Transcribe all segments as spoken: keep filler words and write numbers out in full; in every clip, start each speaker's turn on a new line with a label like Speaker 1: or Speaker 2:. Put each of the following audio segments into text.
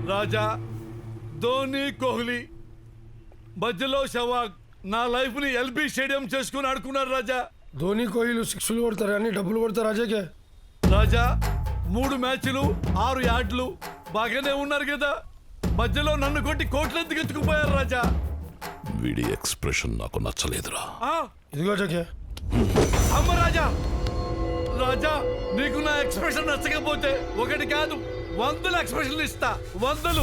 Speaker 1: రాజా, ధోని, కోహ్లీ మధ్యలో సెవాగ్ నా లైఫ్ ని ఎల్బీ స్టేడియం చేసుకుని ఆడుకున్నారు రాజా.
Speaker 2: ధోని కోహ్లీ సిక్స్లు కొడతారు కానీ డబ్బులు కొడతారు రాజాకే.
Speaker 1: రాజా, మూడు మ్యాచ్లు ఆరు యార్డ్లు బాగానే ఉన్నారు కదా, మధ్యలో నన్ను కొట్టి కోట్లు ఎందుకు ఎత్తుకుపోయారు రాజా?
Speaker 3: వీడి ఎక్స్ప్రెషన్ నాకు నచ్చలేదురా.
Speaker 2: ఇదిగో జకే.
Speaker 1: అమ్మ రాజా, రాజా నీకు నా ఎక్స్ప్రెషన్ నచ్చకపోతే ఒకటి కాదు వందల ఎక్స్ప్రెషన్లు ఇస్తా, వందలు.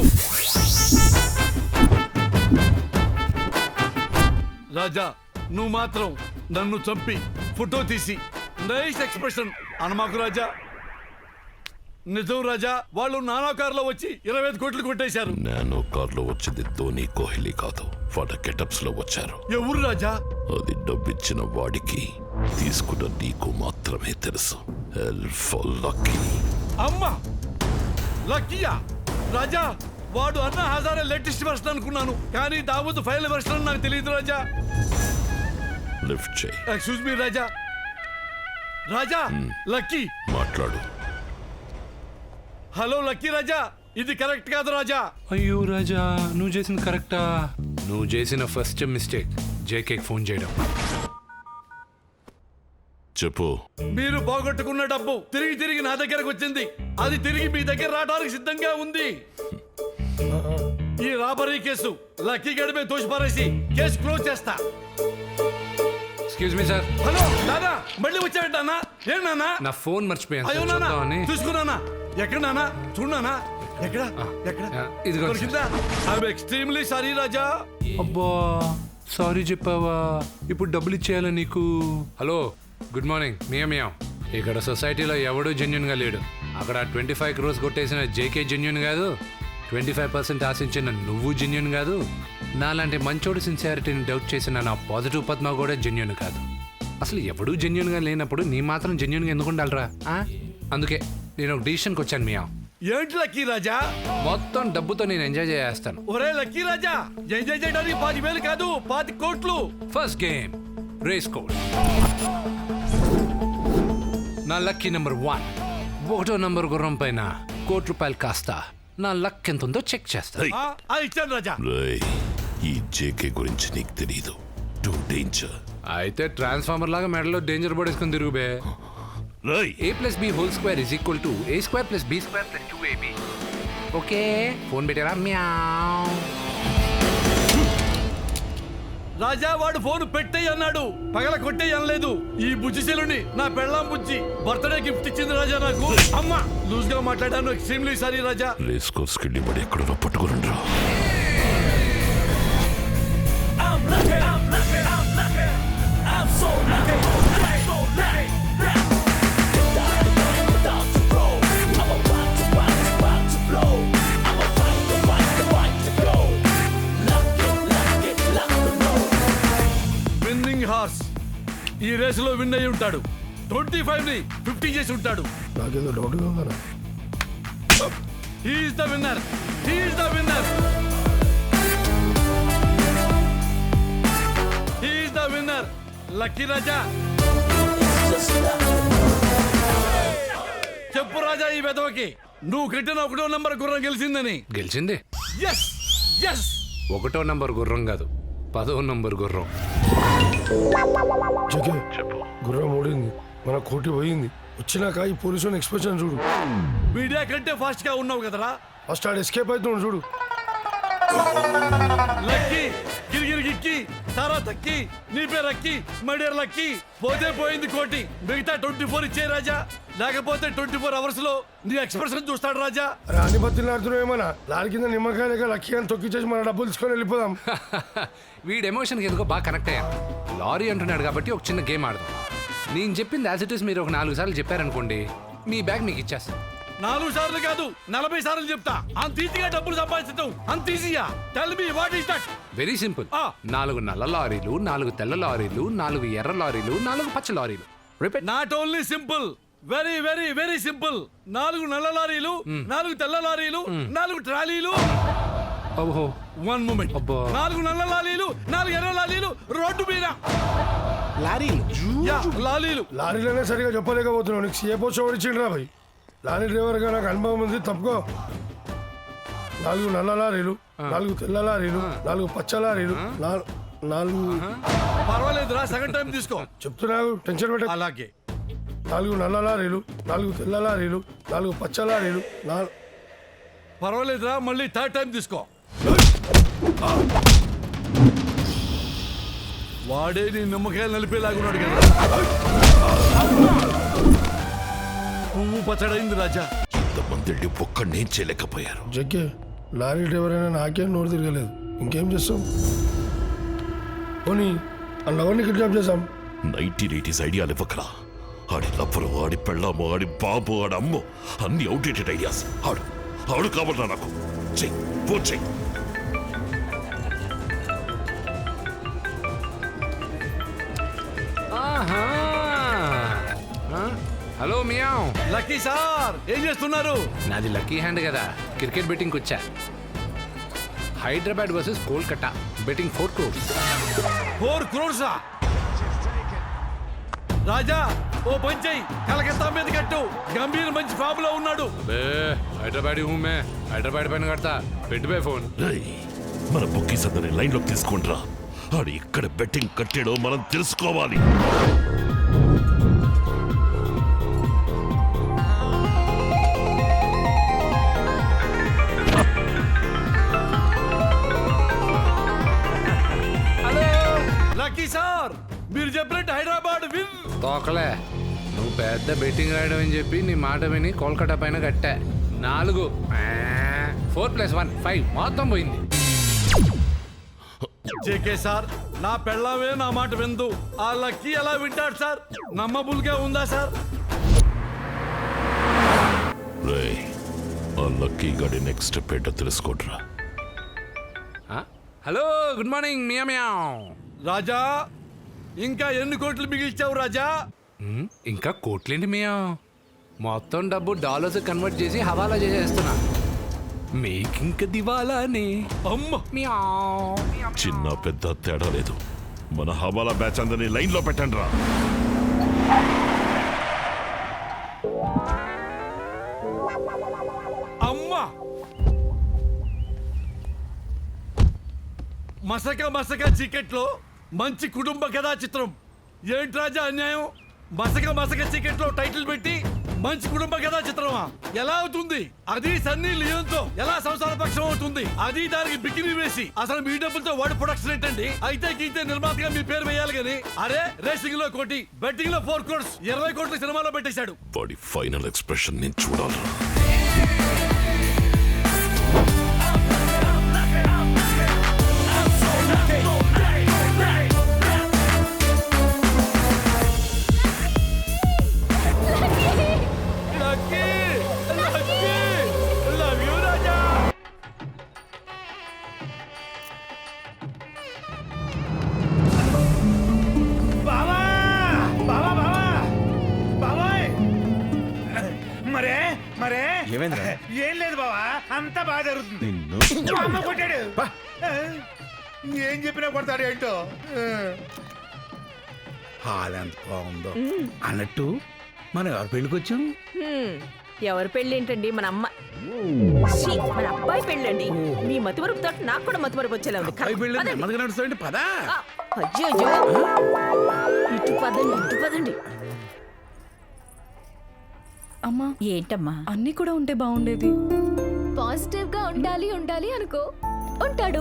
Speaker 1: రాజా, నువ్వు మాత్రం నన్ను చంపి ఫోటో తీసి నైస్ ఎక్స్ప్రెషన్ అనమాకు రాజా. నిజం రాజా, వాళ్ళు నానా కారులో వచ్చి ఇరవై ఐదు కోట్లు కొట్టేశారు.
Speaker 3: నానో కార్లో వచ్చింది ధోని కోహ్లీ కాదు, వాళ్ళ గెటప్స్ లో వచ్చారు.
Speaker 1: ఎవరు రాజా?
Speaker 3: అది డబ్బిచ్చిన వాడికి, తీసుకున్న నీకు మాత్రమే తెలుసు. లక్కీ.
Speaker 1: అమ్మా లక్కీయా? రాజా, వాడు అన్న హజారే లేటెస్ట్ వెర్షన్ అనుకున్నాను, కానీ దావూద్ ఫైల్ వెర్షన్ నాకు తెలియదు రాజా.
Speaker 3: లిఫ్ట్ చేయి.
Speaker 1: Excuse me Raja. Raja, Lucky
Speaker 3: మాట్లాడు.
Speaker 1: హలో లక్కీ రాజా, ఇది కరెక్ట్ కాదు రాజా.
Speaker 4: అయ్యో రాజా, నువ్వు చేసింది కరెక్టా? నువ్వు చేసిన ఫస్ట్ మిస్టేక్ జేకే ఫోన్ చేయడం.
Speaker 3: చెప్పు.
Speaker 1: మీరు పోగొట్టుకున్న డబ్బు తిరిగి తిరిగి నా దగ్గరకు వచ్చింది. అది తిరిగి మీ దగ్గర రావడానికి సిద్ధంగా ఉంది. ఈ రాబరీ కేసు లక్కీ గడిపే తోసిపారేసి కేసు క్లోజ్ చేస్తా.
Speaker 4: Excuse me sir.
Speaker 1: హలో నానా, మళ్ళీ వచ్చాడు నాన్న. ఏం నాన్న?
Speaker 4: నా ఫోన్ మర్చిపోయాను.
Speaker 1: అయ్యో నాన్న, చూసుకున్నానా? ఎక్కడ నాన్న? చూడనా? ఎక్కడ ఎక్కడ?
Speaker 4: ఇదిగో.
Speaker 1: I'm extremely sorry Raja.
Speaker 4: అబ్బా, సారీ చెప్పావా? ఇప్పుడు డబ్బులు ఇచ్చేయాలా నీకు? Hello, good morning. మియా మియా. ఇక్కడ సొసైటీలో ఎవడూ జెన్యున్ గా లేడు. అక్కడ ట్వంటీ ఫైవ్ క్రోర్స్ కొట్టేసిన జేకే జెన్యున్ కాదు, ట్వంటీ ఫైవ్ పర్సెంట్ ఆశించిన నువ్వు జెన్యున్ కాదు, నాలాంటి మంచోడు సిన్సియారిటీని డౌట్ చేసిన నా పాజిటివ్ పద్మ కూడా జెన్యున్ కాదు. అసలు ఎవడూ జెన్యున్ గా లేనప్పుడు నీ మాత్రం జెన్యున్ గా ఎందుకు ఉండాలరా? అందుకే నేను ఒక డిసిషన్కి వచ్చాను మియా.
Speaker 1: ఏంటి లక్కీ రాజా?
Speaker 4: మొత్తం డబ్బుతో నేను ఎంజాయ్ చేస్తాను.
Speaker 1: ఒరే లక్కీ రాజా, ఎంజాయ్ చేయడానికి పాతి వేలు కాదు, పాతి కోట్లు.
Speaker 4: First game race course. నా లక్కీ నెంబర్ వన్, ఒకటో నంబర్ గుర్రం పైన కోటి రూపాయలు కాస్తా నా లక్ ఎంత ఉందో చెక్ చేస్తా.
Speaker 1: ఇచ్చాను రాజా.
Speaker 3: రేయ్, ఈ జేకే గురించి నీకు తెలీదు. Two danger.
Speaker 4: అయితే ట్రాన్స్ఫార్మర్ లాగా మెడలో డేంజర్ బోర్డ్ వేసుకుని తిరుగుబే.
Speaker 3: రేయ్,
Speaker 4: A plus B whole square is equal to A square plus B square plus two AB. Okay, phone పెట్టారా? మ్యావ్.
Speaker 1: రాజా, వాడు ఫోన్ పెట్టేయి అన్నాడు, పగల కొట్టేయి అనలేదు. ఈ బుజ్జిశీలుని నా పెళ్ళాం బుజ్జి బర్త్డే గిఫ్ట్ ఇచ్చింది రాజా నాకు. అమ్మా, లూజ్ గా మాట్లాడాను, extremely sorry Raja.
Speaker 3: Race course కి డిబడి ఎక్కడో పట్టుకుని రా.
Speaker 1: విన్నింగ్ హార్స్ ఈ రేసులో విన్ అయి ఉంటాడు. ట్వంటీ ఫైవ్ ని ఫిఫ్టీ చేసి ఉంటాడు.
Speaker 2: నాకేదో డౌట్ ఉందా?
Speaker 1: He is the winner, he is the winner, he is the winner. Lucky Raja, చెప్పు రాజా ఈ వెధవకి నువ్వు కట్టిన ఒకటో నంబర్ గుర్రం గెలిచిందని.
Speaker 4: గెలిచింది.
Speaker 1: Yes yes.
Speaker 4: ఒకటో నంబర్ గుర్రం కాదు, పదో నంబర్ గుర్రం.
Speaker 2: జకే, గుర్రం ఓడింది, మన కోటి పోయింది. వచ్చినాక ఈ పోలీసు ఎక్స్ప్రెషన్ చూడు.
Speaker 1: మీడియా కంటే ఫాస్ట్ గా ఉన్నావు కదరా.
Speaker 2: ఫస్ట్ ఆడ ఎస్కేప్ అవుతున్నాడు చూడు.
Speaker 1: లక్కీ గిరిగిరి గిక్కి సారా తక్కి నీ పేరు అక్కి మడియర్ లక్కి. పోతే పోయింది కోటి, మిగతా ట్వంటీ ఫోర్ ఇచ్చే రాజా, లేకపోతే ట్వంటీ ఫోర్ అవర్స్ లో నీ ఎక్స్ప్రెషన్ చూస్తాడు రాజా.
Speaker 2: రాని బత్తులు ఆడుతున్నావు ఏమన్నా? లారీ కింద నిమ్మకాయ లేక లక్కీ అని తొక్కిచ్చేసి మన డబ్బులు తీసుకొని వెళ్ళిపోదాం.
Speaker 4: వీడి ఎమోషన్కి ఎందుకో బాగా కనెక్ట్ అయ్యాను. లారీ అంటున్నాడు కాబట్టి ఒక చిన్న గేమ్ ఆడదాం. నేను చెప్పింది యాజ్ ఇట్ ఈస్ మీరు ఒక నాలుగు సార్లు చెప్పారనుకోండి, మీ బ్యాగ్ మీకు ఇచ్చేస్తాను.
Speaker 1: నాలుగు సార్లు కాదు, నలభై సార్లు చెప్తా. అంత ఈజీగా డబ్బులు సంపాదించడం అంత ఈజీయా? Tell me what is that?
Speaker 4: Very simple. నాలుగు నల్ల లారీలు, నాలుగు తెల్ల లారీలు, నాలుగు ఎర్ర లారీలు, నాలుగు పచ్చ లారీలు. Repeat.
Speaker 1: Not only simple, very very very simple. నాలుగు నల్ల లారీలు, నాలుగు తెల్ల లారీలు, నాలుగు ట్రాలీలు.
Speaker 4: ఓహో,
Speaker 1: వన్ మూమెంట్. నాలుగు నల్ల లారీలు, నాలుగు ఎర్ర లారీలు రోడ్డు మీద.
Speaker 5: లారీలు
Speaker 1: లారీలు
Speaker 2: లారీలనే సరిగా చెప్పలేకపోతున్నావు. నీకు సీఏ పోస్ట్ ఎవరు ఇచ్చిండ్రా భయ్? లారీ డ్రైవర్ గా నాకు అనుభవం ఉంది, తప్పుకో. నాలుగు నల్ల లారీలు నాలుగు తెల్ల లారీలు నాలుగు పచ్చ లారీలు నాలు- నాలుగు
Speaker 1: పర్వాలేదురా సగం టైం తీసుకో.
Speaker 2: చెప్తున్నావు టెన్షన్ పెట్ట
Speaker 1: అలాగే
Speaker 2: నాలుగు నల్ల లారీలు నాలుగు తెల్ల లారీలు నాలుగు పచ్చ లారీలు నాలుగు
Speaker 1: పర్వాలేదురా మళ్ళీ థర్డ్ టైం తీసుకో. వాడే నీ నిమ్మకాయలు నలిపేలాగున్నాడు కదా. పువ్వు పచ్చడైంది రాజా.
Speaker 3: ఇంతమంది ఒక్కడేం చేయలేకపోయారు.
Speaker 2: జగ్గే లారీ డ్రైవర్ అయినా నాకేం నోరు తిరగలేదు ఇంకేం చేస్తాం పోనీ అన్నవన్నీ కిడ్నాప్ చేసాం
Speaker 3: నైన్టీన్ ఎయిటీస్ ఐడియాలు ఇవ్వకరా. ఆడి లవ్వరు ఆడి పెళ్ళాము ఆడి బాబు ఆడి అమ్ము అన్ని అవుట్డేటెడ్ ఐడియాస్. ఆడు ఆడు కావాలరా నాకు. చెయ్యి ఫోన్ చెయ్యి.
Speaker 4: ఆహా. ఆ? Hello meow.
Speaker 1: లక్కీ సార్ ఏం చేస్తున్నారు?
Speaker 4: నాది లక్కీ హ్యాండ్ కదా, క్రికెట్ బెట్టింగ్ వచ్చా. Hyderabad versus Kolkata betting four crores.
Speaker 1: Four క్రోర్సా? రాజా ఓ పంచై కలకత్తా మీద కట్టు. గంభీర్ మంచి ఫామ్ లో ఉన్నాడు.
Speaker 4: అబే హైదరాబాద్ హూ మే హైదరాబాద్ పైన కడతా. పెట్టు బే ఫోన్.
Speaker 3: రేయ్, మన బుక్కీస్ అందరిని లైన్లోకి తీసుకుంట్రా. ఆడు ఇక్కడ బెట్టింగ్ కట్టాడో మనం తెలుసుకోవాలి.
Speaker 1: లక్కీ సార్ మీరు చెప్పినట్టు హైదరాబాద్ విన్.
Speaker 4: తోకలే, నువ్వు పెద్ద బెట్టింగ్ రాయడం అని చెప్పి నీ మాట విని కోల్కతా పైన కట్టా. నాలుగు ఫోర్ ప్లస్ వన్ ఫైవ్ మొత్తం పోయింది.
Speaker 1: జేకే సార్ నా పెళ్ళామే నా మాట విందు. ఆ లక్కీ ఎలా వింటాడు సార్? నమ్మబుల్గా ఉందా సార్?
Speaker 3: రేయ్, ఆ లక్కీ గడి నెక్స్ట్ స్టెప్ ఏంటో తెలుసుకోట్రా.
Speaker 4: ఆ? హలో గుడ్ మార్నింగ్ మియా మియావ్.
Speaker 1: రాజా ఇంకా ఎన్ని కోట్లు మిగిల్చావు రాజా?
Speaker 4: ఉమ్, ఇంకా కోట్లేంటి మియా, మొత్తం డబ్బు డాలర్స్ కన్వర్ట్ చేసి హవాలా చేసేస్తున్నా. మేకింక దివాలానే.
Speaker 1: అమ్మ
Speaker 4: మియావ్.
Speaker 3: చిన్న పెద్ద తేడా లేదు. మన హవాలా బ్యాచ్ అందరినీ లైన్లో పెట్టండి రా.
Speaker 1: అమ్మ మసక మసక చీకట్లో మంచి కుటుంబ కథా చిత్రం. ఏంటి రాజా అన్యాయం? మసక మసక చీకట్లో టైటిల్ పెట్టి మంచి కుటుంబ కథా చిత్రమా? ఎలా అవుతుంది? అది సన్నీ లియోన్తో ఎలా సంసార పక్షం అవుతుంది? అది దానికి బికినీ వేసి అసలు మీ డబ్బులతో వాడి ప్రొడక్షన్ ఏంటండి? అయితే గీతే నిర్మాతగా మీ పేరు వేయాలి కానీ అరే రేసింగ్ లో కోటి బెట్టింగ్ లో ఫోర్ క్రోర్స్ ఇరవై కోట్ల సినిమాలో పెట్టేశాడు.
Speaker 3: వాడి ఫైనల్ ఎక్స్ప్రెషన్ నేను చూడాలి.
Speaker 1: Lucky Lucky love you Raja.
Speaker 5: బావా బావా బావా బాబాయ్ మరే మరే
Speaker 6: ఏమైందిరా?
Speaker 5: ఏం లేదు బావా అంతా బాగా జరుగుతుంది. మా అమ్మ కొట్టాడు. ఏం చెప్పినా కొడతాడు ఏంటో. హాల్ ఎంత బాగుందో అన్నట్టు మనం ఎవరు పెళ్ళికి వచ్చాం?
Speaker 7: హ్మ్. ఎవరి పెళ్ళి ఏంటండి? మన అమ్మ ఛీ, మన అబ్బాయి పెళ్ళండి. మీ మతివరపు తోట నాకు కూడా మతివరపు వచ్చేలా ఉంది.
Speaker 5: అబ్బాయి పెళ్ళి
Speaker 7: పదండి.
Speaker 5: నెమ్మదిగా నడుస్తాయండి పదా.
Speaker 7: ఆ, అయ్యో అయ్యో. ఇటు పదండి ఇటు పదండి.
Speaker 8: అమ్మా
Speaker 7: ఏంటమ్మా?
Speaker 8: అన్నీ కూడా ఉంటే బాగుండేది.
Speaker 9: పాజిటివ్ గా ఉండాలి ఉండాలి అనుకో ఉంటాడు.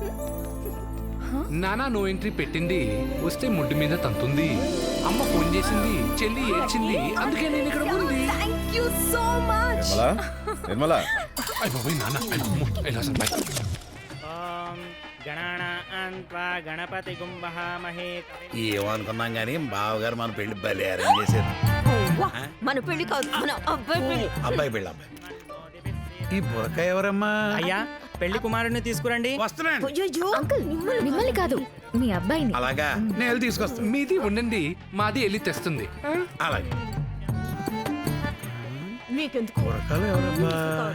Speaker 4: నానా నో ఎంట్రీ పెట్టింది, వస్తే ముడ్డు మీద తంతుంది. అమ్మ ఫోన్ చేసింది, చెల్లి ఏడ్చింది, అందుకే నేను ఇక్కడ ఉంది.
Speaker 9: Thank you so much.
Speaker 6: Nirmala
Speaker 4: అయ్ బాబోయ్ నాన్న, అయ్ అమ్మో, ఎలా అసలు బయట.
Speaker 10: గణపతి గుంభహామహే.
Speaker 5: ఏమనుకున్నాం కానీ బావగారు మన పెళ్లి బలి అరేంజ్ చేశారు.
Speaker 7: వా, మన పెళ్లి కాదు మన అబ్బాయి పెళ్లి.
Speaker 5: అబ్బాయి పెళ్ళి అబ్బాయి. ఈ బురక ఎవరమ్మా?
Speaker 10: అయ్యా పెళ్లి కుమారుడిని తీసుకురండి.
Speaker 5: వస్తున్నాను.
Speaker 7: అయ్యయ్యో.
Speaker 9: అంకుల్ మిమ్మల్ని కాదు మీ అబ్బాయిని.
Speaker 5: అలాగా నేను వెళ్ళి తీసుకొస్తాను.
Speaker 4: మీది ఉండండి, మాది వెళ్ళి తెస్తుంది.
Speaker 5: అలాగే
Speaker 7: మీకెందుకు?
Speaker 5: బురకలు ఎవరమ్మా?